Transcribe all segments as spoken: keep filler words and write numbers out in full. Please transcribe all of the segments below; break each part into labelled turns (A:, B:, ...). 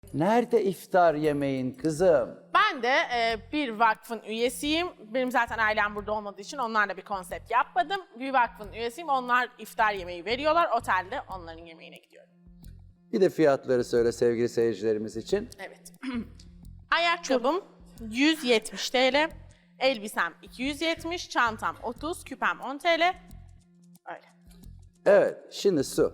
A: Nerede iftar yemeğin kızım?
B: Ben de e, bir vakfın üyesiyim. Benim zaten ailem burada olmadığı için onlarla bir konsept yapmadım. Bir vakfın üyesiyim. Onlar iftar yemeği veriyorlar. Otelde onların yemeğine gidiyorum.
A: Bir de fiyatları söyle sevgili seyircilerimiz için.
B: Evet. Ayakkabım yüz yetmiş TL. Elbisem iki yüz yetmiş. Çantam otuz. Küpem on TL. Öyle.
A: Evet, şimdi Su.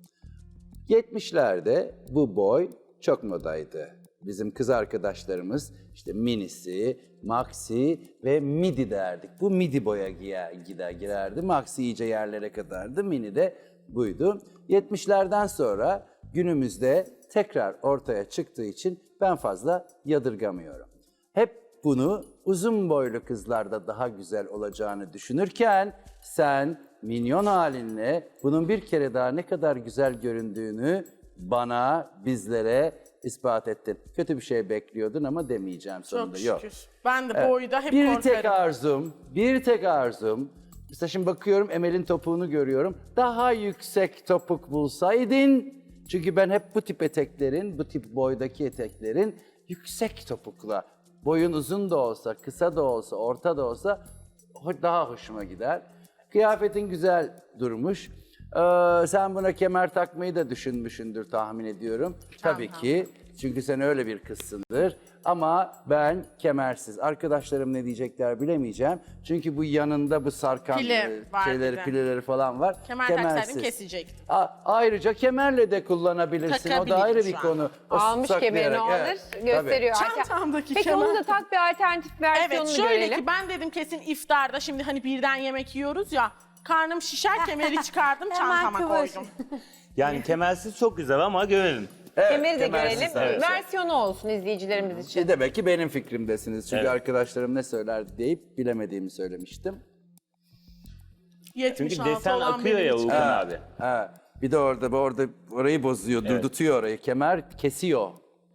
A: yetmişlerde bu boy çok modaydı. Bizim kız arkadaşlarımız işte minisi, maxi ve midi derdik. Bu midi boya giyer, gider girerdi. Maxi iyice yerlere kadardı. Mini de buydu. yetmişlerden sonra günümüzde tekrar ortaya çıktığı için ben fazla yadırgamıyorum. Hep bunu uzun boylu kızlarda daha güzel olacağını düşünürken sen minyon halinle bunun bir kere daha ne kadar güzel göründüğünü bana, bizlere ispat ettin. Kötü bir şey bekliyordun ama demeyeceğim sonunda.
B: Çok
A: Yok.
B: şükür. Ben de
A: Evet.
B: boyda hep
A: bir
B: korkarım.
A: tek arzum, bir tek arzum. Mesela şimdi bakıyorum Emel'in topuğunu görüyorum. Daha yüksek topuk bulsaydın. Çünkü ben hep bu tip eteklerin, bu tip boydaki eteklerin yüksek topukla, boyun uzun da olsa, kısa da olsa, orta da olsa daha hoşuma gider. Kıyafetin güzel durmuş. Ee, sen buna kemer takmayı da düşünmüşsündür tahmin ediyorum. Tabii ki. Çünkü sen öyle bir kızsındır. Ama ben kemersiz. Arkadaşlarım ne diyecekler bilemeyeceğim. Çünkü bu yanında bu sarkan
B: Pile
A: e,
B: var
A: şeyleri,
B: bir de.
A: pileleri falan var.
B: Kemer
A: Kemersiz.
B: taksaydım kesecektim.
A: A- ayrıca kemerle de kullanabilirsin. O da
B: Takabilirim
A: ayrı
B: şu
A: bir
B: an.
A: konu. O
C: Almış kemerini
A: saklayarak,
C: alır,
A: evet,
C: gösteriyor.
B: tabii. Çantamdaki
C: Peki
B: kemer.
C: onu da tak bir alternatif versiyonunu
B: Evet şöyle
C: görelim.
B: ki ben dedim kesin iftarda şimdi hani birden yemek yiyoruz ya. Karnım şişer, kemeri çıkardım, çantama
C: kıvır.
B: koydum.
D: Yani kemersiz çok güzel ama görelim.
A: Evet,
C: Kemeri de
A: kemersiz,
C: görelim.
A: evet.
C: Versiyonu olsun izleyicilerimiz için.
A: E demek ki benim fikrimdesiniz. Çünkü
D: Evet.
A: arkadaşlarım ne söyler deyip bilemediğimi söylemiştim.
D: Çünkü
B: yetmiş altı
D: desen
B: olan
D: akıyor
B: benim
D: ya
B: için.
D: Uğurkan abi.
A: Ha, bir de orada orada orayı bozuyor,
D: Evet.
A: durdutuyor orayı. Kemer kesiyor.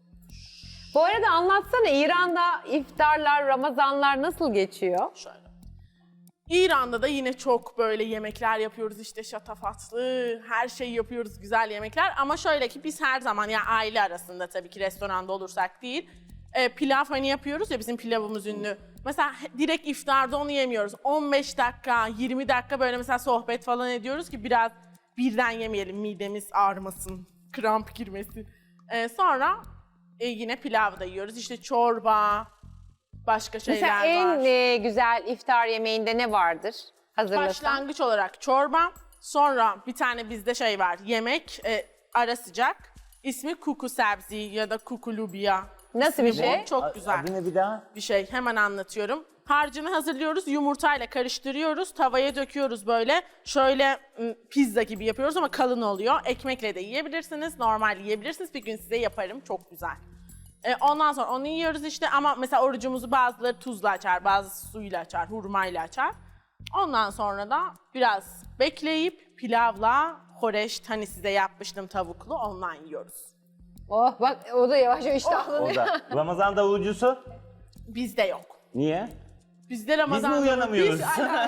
C: Bu arada anlatsana İran'da iftarlar, Ramazanlar nasıl geçiyor?
B: Şöyle. İran'da da yine çok böyle yemekler yapıyoruz işte şatafatlı, her şeyi yapıyoruz güzel yemekler. Ama şöyle ki biz her zaman ya aile arasında tabii ki restoranda olursak değil, e, pilav hani yapıyoruz ya bizim pilavımız ünlü. Mesela he- direkt iftarda onu yemiyoruz. on beş dakika, yirmi dakika böyle mesela sohbet falan ediyoruz ki biraz birden yemeyelim midemiz ağrımasın, kramp girmesin. E, sonra e, yine pilav da yiyoruz işte çorba, başka şeyler
C: Mesela en
B: var.
C: e, güzel iftar yemeğinde ne vardır? Hazırlasan.
B: Başlangıç olarak çorba, sonra bir tane bizde şey var, yemek, e, ara sıcak. İsmi kuku sebzi ya da kuku lubiya.
C: Nasıl bir
B: İsmi bu.
C: şey?
B: Çok güzel
D: Adı ne bir daha?
B: bir şey. Hemen anlatıyorum. Harcını hazırlıyoruz, yumurtayla karıştırıyoruz, tavaya döküyoruz böyle. Şöyle m, pizza gibi yapıyoruz ama kalın oluyor. Ekmekle de yiyebilirsiniz, normal yiyebilirsiniz. Bir gün size yaparım, çok güzel. E, ondan sonra onu yiyoruz işte ama mesela orucumuzu bazıları tuzla açar, bazısı suyla açar, hurmayla açar. Ondan sonra da biraz bekleyip pilavla horeşt hani size yapmıştım tavuklu ondan yiyoruz.
C: Oh bak o da yavaş yavaş iştahlanıyor.
D: O da. Ramazan davulcusu?
B: Bizde yok.
D: Niye?
B: Bizde
D: Biz
B: Ramazan...
D: mi uyanamıyoruz?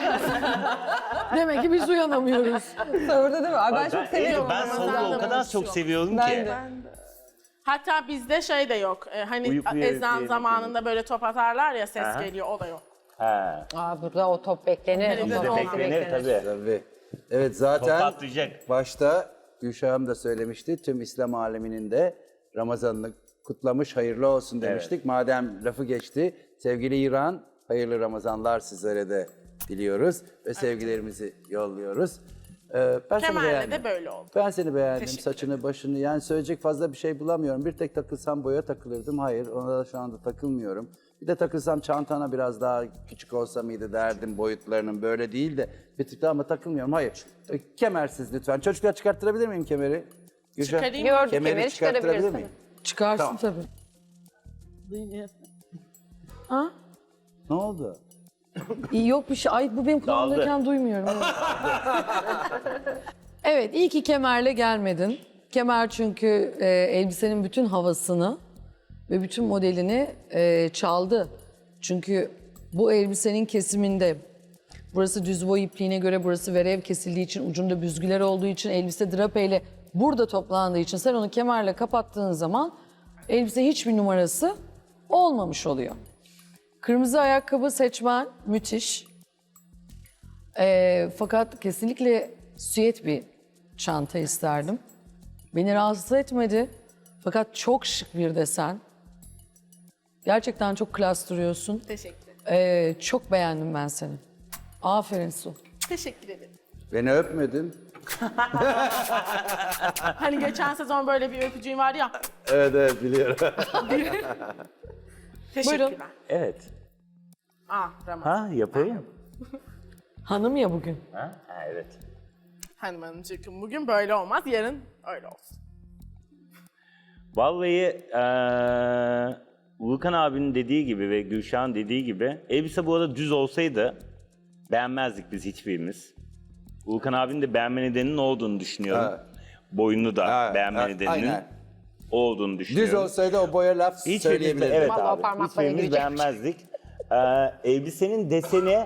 E: Demek ki biz uyanamıyoruz.
C: Sahurda değil mi? Ay, ben çok seviyorum.
D: Ben
B: Ramazan'da
D: sahuru o kadar
B: davulcusu
D: çok
B: yok.
D: seviyorum
C: Ben
D: ki.
C: de.
B: Hatta bizde şey de yok. e, hani
D: Uyukluya
B: ezan
D: üfleyelim,
B: zamanında böyle top atarlar ya ses
D: Aha.
B: geliyor o da yok.
D: He.
C: Aa, burada o top beklenir.
B: Bizde
C: O
D: Bizde
C: top
D: beklenir tabii.
A: Tabii. Evet zaten
D: Top atlayacak.
A: başta Gülşah'ım da söylemişti. Tüm İslam aleminin de Ramazan'ını kutlamış, hayırlı olsun demiştik.
D: Evet.
A: Madem lafı geçti, sevgili İran, hayırlı Ramazanlar sizlere de diliyoruz ve sevgilerimizi yolluyoruz. Ee, ben seni
B: Kemal'le
A: beğendim.
B: de böyle oldu.
A: Ben seni beğendim.
B: Teşekkür
A: Saçını, başını yani söyleyecek fazla bir şey bulamıyorum. Bir tek takılsam boya takılırdım. Hayır, ona da şu anda takılmıyorum. Bir de takılsam çantana biraz daha küçük olsa mıydı derdim boyutlarının böyle değil de bir tık daha ama takılmıyorum. Hayır. E, Kemersiz lütfen. Çocuklar çıkarttırabilir miyim kemeri? Gülşah,
B: Çıkarayım.
C: Gördük
A: kemeri
C: kemeri
A: çıkarttırabilir
C: çıkarabilirsin.
A: miyim?
E: Çıkarsın
A: Tamam.
E: tabii.
A: Ne oldu?
E: İyi yok bir şey. Ay bu benim kulağımdayken duymuyorum. Evet. Evet iyi ki kemerle gelmedin. Kemer çünkü e, elbisenin bütün havasını ve bütün modelini e, çaldı. Çünkü bu elbisenin kesiminde burası düz boy ipliğine göre burası verev kesildiği için ucunda büzgüler olduğu için elbise drapeyle burada toplandığı için sen onu kemerle kapattığın zaman elbise hiçbir numarası olmamış oluyor. Kırmızı ayakkabı seçmen müthiş. Ee, fakat kesinlikle süet bir çanta isterdim. Beni rahatsız etmedi. Fakat çok şık bir desen. Gerçekten çok klas duruyorsun.
B: Teşekkür ederim.
E: Ee, çok beğendim ben seni. Aferin Su.
B: Teşekkür ederim.
A: Beni öpmedin.
B: Hani geçen sezon böyle bir öpücüğün var ya.
A: Evet evet biliyorum.
B: Teşekkürler.
D: Evet.
B: Ah Ramazan.
D: Ha yapayım.
E: Hanım ya bugün.
D: Ha? Ha, evet.
B: Hanım hanımcığım bugün böyle olmaz, yarın öyle olsun.
D: Vallahi eee Volkan abinin dediği gibi ve Gülşah'ın dediği gibi elbise bu arada düz olsaydı beğenmezdik biz hiçbirimiz. Volkan abinin de beğenme nedeninin o olduğunu düşünüyorum.
A: Ha.
D: Boyunu da
A: Ha,
D: beğenme
A: ha,
D: nedeninin
A: aynen.
D: o olduğunu düşünüyorum.
A: Düz olsaydı o boya laf
D: Hiçbirimiz,
A: söyleyebilirdim.
D: evet
C: Vallahi
D: abi,
C: parmakla
D: hiçbirimiz
C: girecek.
D: beğenmezdik. Ee, elbisenin deseni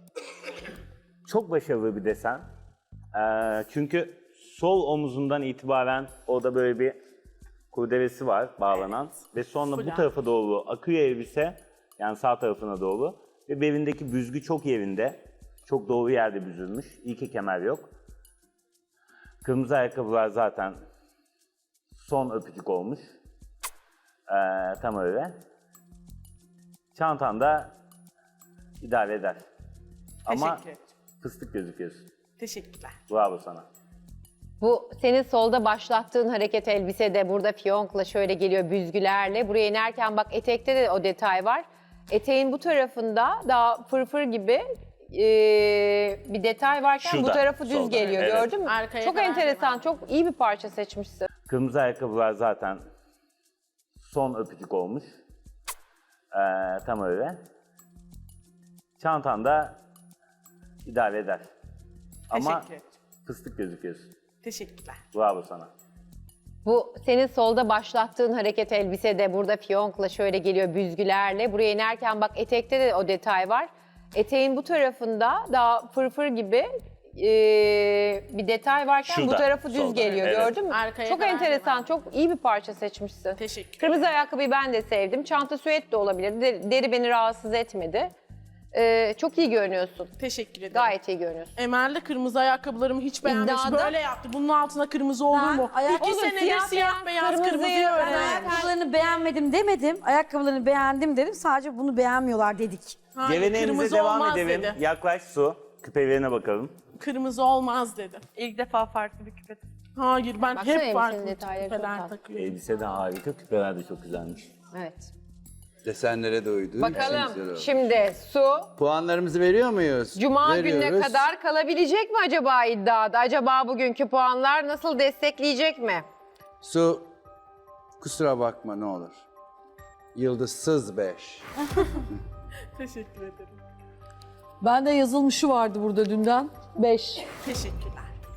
D: çok başarılı bir desen. Ee, çünkü sol omuzundan itibaren orada böyle bir kurdelesi var bağlanan ve sonra bu
B: Fular.
D: tarafa doğru akıyor elbise, yani sağ tarafına doğru ve belindeki büzgü çok yerinde, çok doğru yerde büzülmüş. İyi ki kemer yok. Kırmızı ayakkabılar zaten son öpücük olmuş. Ee, tam öyle. Çantan da idare eder. Ama
B: Teşekkür ederim.
D: fıstık gözüküyorsun.
B: Teşekkürler.
D: Bravo sana.
C: Bu senin solda başlattığın hareket elbisede burada fiyonkla şöyle geliyor büzgülerle. Buraya inerken bak etekte de o detay var. Eteğin bu tarafında daha fırfır gibi eee, bir detay varken bu
D: Şurada,
C: tarafı düz
D: solda,
C: geliyor
D: evet.
C: gördün mü?
B: Arkaya
C: Çok
B: kadar
C: enteresan, çok iyi bir parça seçmişsin.
D: Kırmızı ayakkabılar zaten son öpücük olmuş. Ee, tam öyle. Çantan da idare eder. Ama
B: Teşekkür ederim.
D: fıstık gözüküyorsun.
B: Teşekkürler.
D: Bravo sana.
C: Bu senin solda başlattığın hareket elbisede burada fiyonkla şöyle geliyor büzgülerle. Buraya inerken bak etekte de o detay var. Eteğin bu tarafında daha fırfır gibi eee, bir detay varken bu
D: Şurada,
C: tarafı düz
D: solda,
C: geliyor
D: evet.
C: gördün mü?
B: Arkaya
C: Çok
B: kadar
C: enteresan,
B: devam.
C: çok iyi bir parça seçmişsin.
B: Teşekkür.
C: Kırmızı ayakkabıyı ben de sevdim. Çanta süet de olabilir. Deri, deri beni rahatsız etmedi. Eee, çok iyi görünüyorsun.
B: Teşekkür ederim.
C: Gayet iyi görünüyorsun.
B: Emel de kırmızı ayakkabılarımı hiç beğenmemiş.
C: İddiada-
B: Böyle yaptı. Bunun altına kırmızı olur
F: Ben
B: mu?
F: ayak-
B: İki
F: Olur,
B: senedir
C: siyah
B: siyah,
C: beyaz,
B: beyaz
C: kırmızıyı
B: kırmızıyı
C: ben
B: öğrendim.
F: Ayakkabılarını beğenmedim demedim. Ayakkabılarını beğendim dedim. Sadece bunu beğenmiyorlar dedik.
B: Hayır,
D: Geleneğimize
B: kırmızı
D: devam
B: olmaz
D: edelim.
B: dedi.
D: Yaklaş Su. Küpelerine bakalım.
B: Kırmızı olmaz dedi.
G: İlk defa farklı bir küpe.
B: Hayır ben
C: Baksana
B: hep
C: elbisenin
B: farklı
C: detayları çok
B: küpeler
C: tatlı.
B: takıyorum.
D: Elbise de harika, küpeler de çok güzelmiş.
C: Evet.
A: Desenlere de uydu. Güzel
C: Bakalım
A: oldu.
C: şimdi Su
A: Puanlarımızı veriyor muyuz?
C: Cuma gününe
A: Veriyoruz.
C: kadar kalabilecek mi acaba iddiada? Acaba bugünkü puanlar nasıl destekleyecek mi?
A: Su, kusura bakma ne olur. Yıldızsız beş.
B: Teşekkür ederim.
E: Bende yazılmışı vardı burada dünden. Beş.
B: Teşekkürler.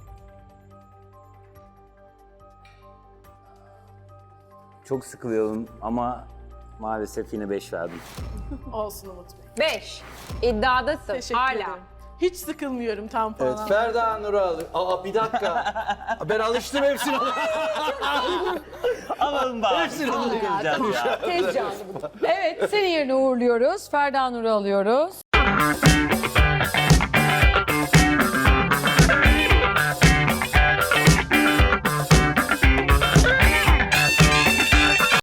D: Çok sıkılıyorum ama maalesef yine beş verdim.
B: Olsun Umut Bey.
C: beş. İddiadasın
B: Teşekkür
C: hala.
B: ederim. Hiç sıkılmıyorum tam puan
A: Evet,
B: almaya.
A: Ferda Nur'u al. Aa bir dakika. Ben alıştım hepsini.
D: Alalım bari.
A: Hepsini
D: Kıracağız ya.
C: Tez canlı bu.
E: Evet, senin yerine uğurluyoruz. Ferda Nur'u alıyoruz.